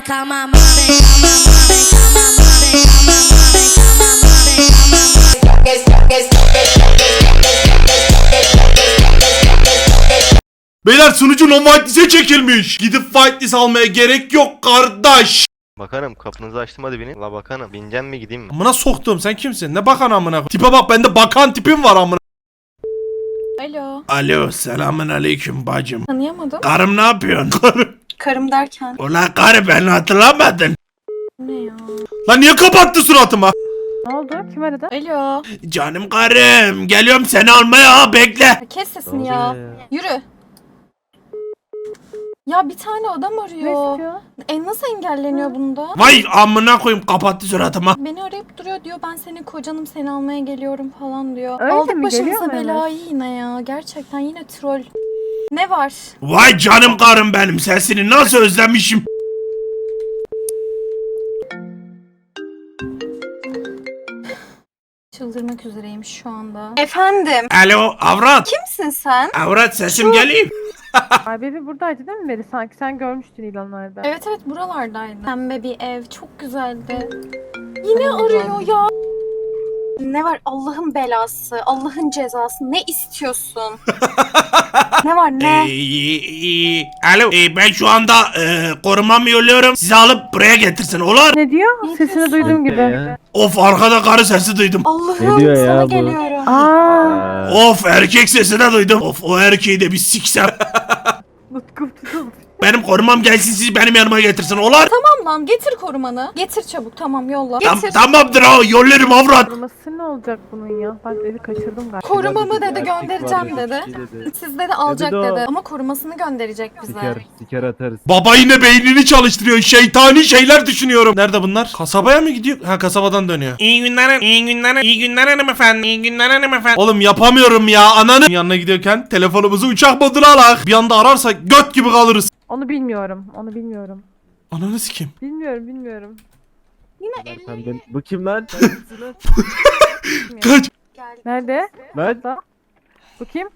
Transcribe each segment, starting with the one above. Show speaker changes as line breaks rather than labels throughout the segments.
Beyler sunucu non whitelist'e çekilmiş. Gidip whitelist almaya gerek yok kardeş.
Bakanım kapınızı açtım hadi binin. La bakanım bineceğim mi gideyim mi?
Amına soktum, sen kimsin? Ne bakan amına? Tipe bak, bende bakan tipim var amına.
Alo.
Alo, selamun aleyküm bacım.
Tanıyamadım.
Karım ne yapıyorsun? Karım.
Karım derken.
Ulan karı, beni hatırlamadın.
Ne ya?
Lan niye kapattı suratıma?
Ne oldu? Kim aradı?
Alo.
Canım karım, geliyorum seni almaya, ha, bekle.
Kes sesini ya. Yürü. Ya bir tane adam
Ne
arıyor.
istiyor?
Nasıl engelleniyor bunda?
Vay amına koyayım, kapattı suratıma.
Beni arayıp duruyor, diyor ben senin kocanım, seni almaya geliyorum falan diyor.
Öyle
Aldık
mi?
başımıza
Geliyor mu
belayı yine ya. Gerçekten yine troll. Ne var?
Vay canım karım benim, sesini nasıl özlemişim.
Çıldırmak üzereyim şu anda. Efendim.
Alo avrat.
Kimsin sen?
Avrat, sesim geliyor.
Ay bebi buradaydı değil mi Beri? Sanki sen görmüştün ilanlarda.
Evet buralardaydı. Pembe bir ev, çok güzeldi. Yine arıyor ya. Ne var Allah'ın belası, Allah'ın cezası, ne istiyorsun? Ne var ne?
Alo, ben şu anda korumamı yolluyorum. Sizi alıp buraya getirsin, olur?
Ne diyor?
Ne
Sesini
diyorsun?
duyduğum gibi.
Of, arkada karı sesi duydum.
Allah'ım
Ne diyor ya
sana
bu?
geliyorum.
Aa,
Of, erkek sesi de duydum. Of, o erkeği de bir siksem.
Utku tutuldu.
Benim korumam gelsin, sizi benim yanıma getirsin, olur?
Tamam lan, getir korumanı. Getir çabuk, tamam yolla. Getir.
Tamamdır ha, yollarım avrat.
Koruması ne olacak bunun ya? Ben evi kaçırdım galiba.
Korumamı dedi,
Erkek
göndereceğim
vardı,
dedi.
iki dedi.
Siz dedi alacak
Dedi de o.
dedi. Ama korumasını gönderecek bize.
Siker atarız.
Baba yine beynini çalıştırıyor. Şeytani şeyler düşünüyorum. Nerede bunlar? Kasabaya mı gidiyor? Ha, kasabadan dönüyor. İyi günler, iyi günler, iyi günler hanımefendi. İyi günler hanımefendi. Oğlum yapamıyorum ya. Ananın yanına gidiyorken telefonumuzu uçak moduna alak. Bir anda ararsa göt gibi kalırız.
Onu bilmiyorum. Onu bilmiyorum.
Ananı sikeyim.
Bilmiyorum.
Yine
Sen ben... Bu kim lan?
Kaç.
geldi.
Nerede?
Lan?
Bu kim?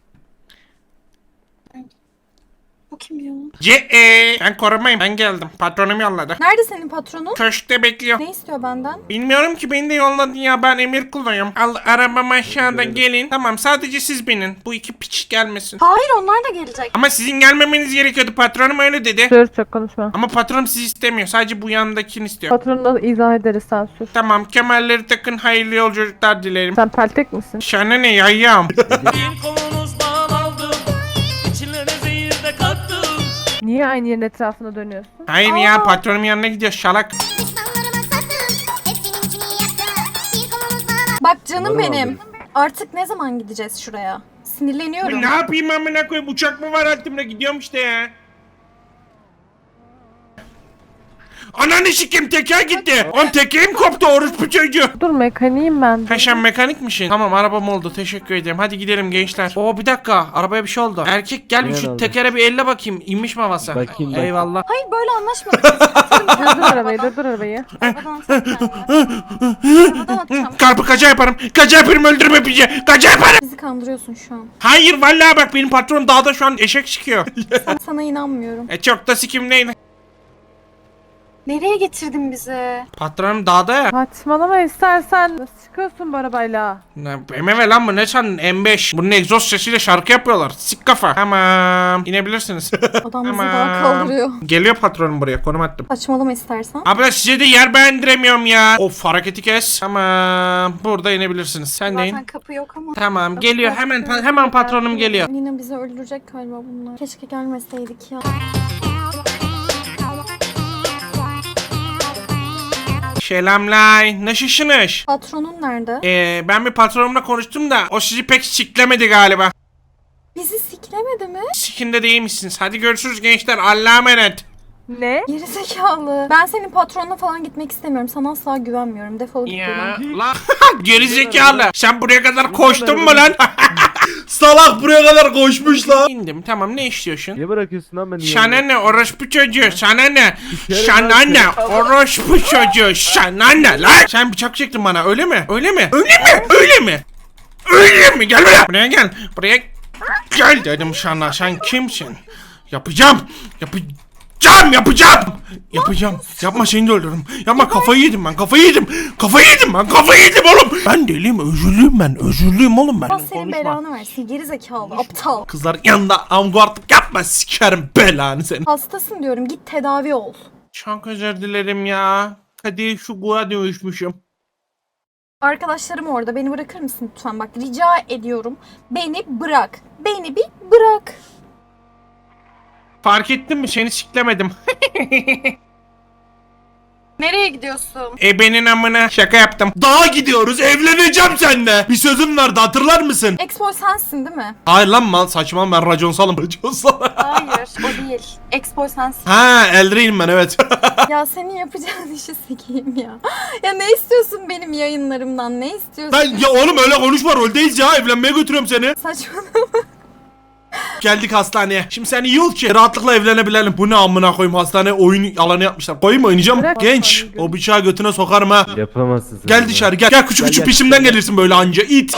Bu kim ya?
Ben korumayım. Ben geldim. Patronum yolladı.
Nerede senin patronun?
Köşkte bekliyor.
Ne istiyor benden?
Bilmiyorum ki, beni de yolladı ya, ben emir kuluyum. Al arabam aşağıda, gelin. Tamam, sadece siz binin. Bu iki piç gelmesin.
Hayır, onlar da gelecek.
Ama sizin gelmemeniz gerekiyordu, patronum öyle dedi.
Sür, çok konuşma.
Ama patronum sizi istemiyor, sadece bu yanındakini istiyor.
Patronuna izah ederiz, sen sür.
Tamam, kemerleri takın, hayırlı yolculuklar dilerim.
Sen peltek misin?
Şana ne yayyam?
Niye aynı yerin etrafına dönüyorsun?
Hayır ya, patronum yanına gidiyor şalak.
Bak canım
Umarım
benim. Artık ne zaman gideceğiz şuraya? Sinirleniyorum.
Ne yapayım amına koyayım, uçak mı var altımda, gidiyorum işte ya. Ananı sikeyim, teker gitti. On tekerim koptu, orospu çocuğu.
Dur, mekaniğim ben.
Ha, sen mekanikmişsin. Tamam, arabam oldu, teşekkür ederim. Hadi gidelim gençler. Oo, bir dakika, arabaya bir şey oldu. Erkek gel bir
Ne
şu
oldu?
tekere bir elle bakayım. İnmiş mi havası?
Bakayım.
Eyvallah.
Hayır, böyle anlaşmadık.
Durdur arabayı, durdur arabayı.
Arabadan atacağım kendimi. Arabadan atacağım.
Karpı kaça yaparım. Kaça yaparım, öldürme bizi. Kaça yaparım.
Bizi kandırıyorsun şu an.
Hayır vallahi bak, benim patronum dağda şu an eşek çıkıyor.
Sana inanmıyorum.
Çok da sikimdeydi.
Nereye getirdin bizi?
Patronum dağda ya.
Saçmalama istersen. Nasıl çıkıyorsun bu arabayla?
BMW lan bu, ne sandın? M5. Bunun egzoz sesiyle şarkı yapıyorlar. Sik kafa. Tamam. İnebilirsiniz.
Adam bizi daha kaldırıyor.
Geliyor patronum buraya, konum attım.
Saçmalama istersen.
Abla size de yer beğendiremiyorum ya. Of, hareketi kes. Tamam. Burada inebilirsiniz. Sen de in.
Zaten kapı yok ama.
Tamam, geliyor. Hemen patronum geliyor.
Yine bizi öldürecek galiba bunlar. Keşke gelmeseydik ya.
Selamlar. Nasılsınız?
Patronun nerede?
Ben bir patronumla konuştum da o sizi pek siklemedi galiba.
Bizi siklemedi mi?
Sikinde değilmişsiniz. Hadi görüşürüz gençler. Allah'a emanet.
Ne?
Gerizekalı. Ben senin patronuna falan gitmek istemiyorum. Sana asla güvenmiyorum. Defol git
Ya
buradan.
lan gerizekalı. Sen buraya kadar koştun mu lan? Salak buraya kadar koşmuş lan. İndim, tamam, ne istiyorsun?
Niye bırakıyorsun lan beni?
Sana ne orospu çocuğu, sana ne?
kere
Sana
ben-
ne orospu çocuğu, sana ne lan? Sen bıçak çektin bana, öyle mi? Öyle mi? Öyle mi? Öyle mi? Öyle mi? Gel buraya. Buraya gel. Buraya gel dedim sana. Sen kimsin? Yapacağım. Yapacağım. Yapacağım. Yapma seni de öldürürüm. Yapma kafayı yedim ben. Kafayı yedim oğlum. Ben deliyim, özürlüyüm oğlum ben.
Allah senin
Konuşma.
belanı versin geri zekalı aptal.
Kızlar yanında avgartlık yapma, sikerim belanı senin.
Hastasın diyorum git tedavi ol.
Çok özür dilerim ya. Hadi şu guğa dönüşmüşüm.
Arkadaşlarım orada beni bırakır mısın lütfen bak rica ediyorum. Beni bırak. Beni bir bırak.
Fark ettin mi? Seni siklemedim.
Nereye gidiyorsun?
Benim amına şaka yaptım. Dağa gidiyoruz, evleneceğim seninle. Bir sözüm vardı, hatırlar mısın?
Expo sensin değil mi?
Hayır lan mal saçma, ben raconsalım.
Hayır o değil. Expo sensin.
Ha, Eldrain'im ben, evet.
Ya senin yapacağın işi sikeyim ya. Ya ne istiyorsun benim yayınlarımdan? Ne istiyorsun?
Ben ya oğlum öyle konuşma, roldeyiz ya, evlenmeye götürüyorum seni.
Saçmalama.
Geldik hastaneye. Şimdi sen iyi ol ki rahatlıkla evlenebilelim. Bu ne amına koyayım, hastane oyun alanı yapmışlar. Koyayım mı, oynayacağım?
Bırak
Genç,
hastaneyi,
o bıçağı götüne sokarım ha.
Yapamazsın sen.
Gel
bunu.
dışarı gel. Gel küçük küçük
gel.
peşimden gelirsin böyle anca it.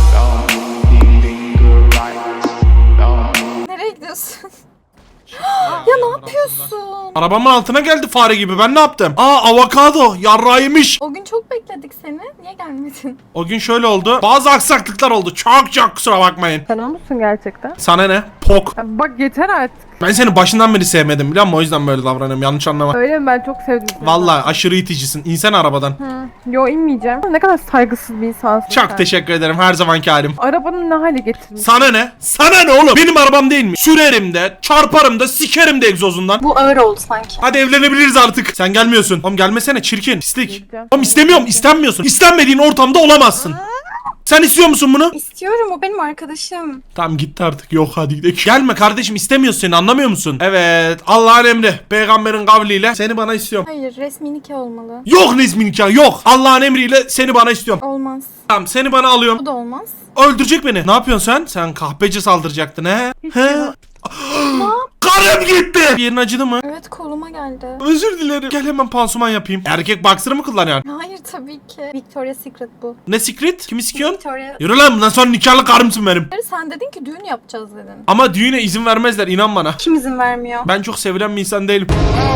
Nereye gidiyorsun? Ya ne yapıyorsun?
Arabamın altına geldi fare gibi, ben ne yaptım? Aa, avokado yarrağıymış.
O gün çok bekledik seni. Niye gelmedin?
O gün şöyle oldu. Bazı aksaklıklar oldu. Çok kusura bakmayın.
Sen o musun gerçekten?
Sana ne? Pok.
Ya bak yeter artık.
Ben seni başından beri sevmedim biliyor musun? O yüzden böyle davranıyorum. Yanlış anlama.
Öyle mi? Ben çok sevdim seni.
Vallahi aşırı iticisin. İnsen arabadan.
Hı. Yo inmeyeceğim. Ne kadar saygısız bir insansın sen.
Çok teşekkür ederim, her zamanki halim.
Arabanı ne hale getirmiş?
Sana ne? Sana ne oğlum? Benim arabam değil mi? Sürerim de, çarparım da, sikerim de egzozundan.
Bu ağır oldu sanki.
Hadi evlenebiliriz artık. Sen gelmiyorsun. Oğlum gelmesene, çirkin, pislik.
Geleceğim.
Oğlum istemiyorum, istenmiyorsun. İstenmediğin ortamda olamazsın. Sen istiyor musun bunu?
İstiyorum o benim arkadaşım.
Tamam gitti artık. Yok hadi gidelim. Gelme kardeşim, istemiyorsun seni, anlamıyor musun? Evet, Allah'ın emri, peygamberin kavliyle seni bana istiyorum.
Hayır resmi nikah olmalı.
Yok Nezmi nikah, yok. Allah'ın emriyle seni bana istiyorum.
Olmaz.
Tamam, seni bana alıyorum.
Bu da olmaz.
Öldürecek beni. Ne yapıyorsun sen? Sen kahpeci saldıracaktın he?
Hiç
He?
yok.
Karım gitti. Bir yerin acıdı mı?
Evet koluma geldi.
Özür dilerim. Gel hemen pansuman yapayım. Erkek boxer'ı mı kullanıyorsun?
Hayır tabii ki. Victoria's Secret bu.
Ne secret? Kimi sikiyorsun?
Victoria.
Yürü lan, bundan sonra nikahlı karımsın benim.
Sen dedin ki düğün yapacağız dedin.
Ama düğüne izin vermezler, inan bana.
Kim izin vermiyor?
Ben çok sevilen bir insan değilim.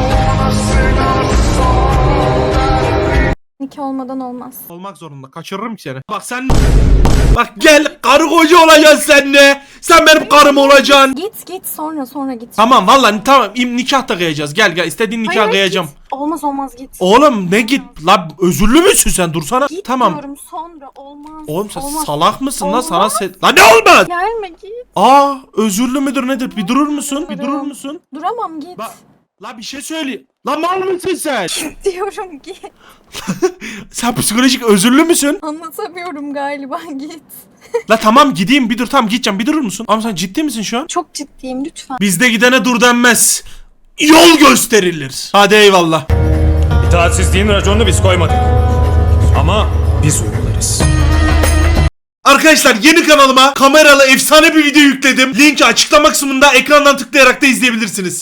Nikah olmadan olmaz.
Olmak zorunda. Kaçırırım ki seni. Bak sen... Bak gel, karı koca olacaksın sen ne? Sen benim karım olacaksın.
Git sonra git.
Tamam vallahi tamam, nikah da kıyacağız. Gel istediğin nikah
Hayır,
kıyacağım.
git. Olmaz git.
Oğlum ne git? La özürlü müsün sen? Dursana.
Git
Tamam.
diyorum sonra olmaz.
Oğlum sen
Olmaz.
salak mısın lan,
Olmaz.
sana La ne olmaz?
Gelme git.
Aa, özürlü müdür nedir? Bir durur musun? Bir durur
Dururum.
musun?
Duramam git.
La bir şey söyle. La mal mısın sen?
Diyorum git.
Sen psikolojik özürlü müsün?
Anlatamıyorum galiba git.
La tamam gideyim, bir dur, tamam gideceğim, bir durur musun? Ama sen ciddi misin şu an?
Çok ciddiyim lütfen.
Bizde gidene dur denmez. Yol gösterilir. Hadi eyvallah.
İtaatsizliğin raconunu biz koymadık. Ama biz uygularız.
Arkadaşlar yeni kanalıma kameralı efsane bir video yükledim. Linki açıklama kısmında, ekrandan tıklayarak da izleyebilirsiniz.